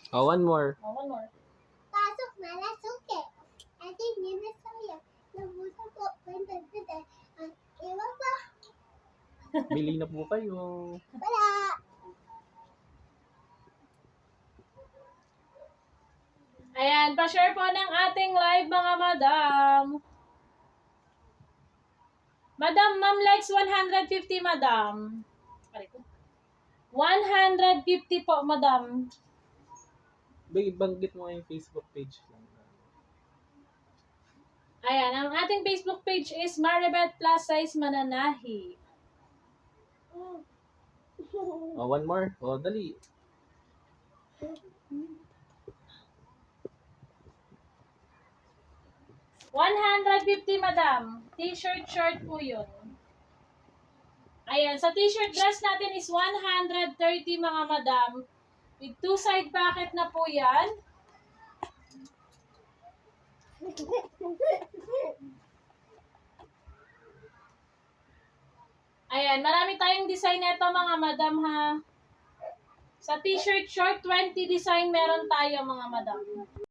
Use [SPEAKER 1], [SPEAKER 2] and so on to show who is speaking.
[SPEAKER 1] Oh, one more.
[SPEAKER 2] Oh, one more.
[SPEAKER 3] Pasok na suke. I think yun na saya. Nabusa po. Iwan pa.
[SPEAKER 1] Bili na po kayo.
[SPEAKER 3] Wala.
[SPEAKER 2] Ayan, pa-share po ng ating live mga madam. Madam, ma'am likes 150, madam. 150 po, madam.
[SPEAKER 1] Banggit mo yung Facebook page lang.
[SPEAKER 2] Ayan, ang ating Facebook page is Maribeth Plus Size Mananahi.
[SPEAKER 1] Oh, one more. Oh, dali.
[SPEAKER 2] $150, madam. T-shirt, short po yun. Ayan, sa t-shirt dress natin is 130, mga madam. With 2 side pocket na po yan. Ayan, marami tayong design nito mga madam ha. Sa t-shirt short, 20 design meron tayo mga madam.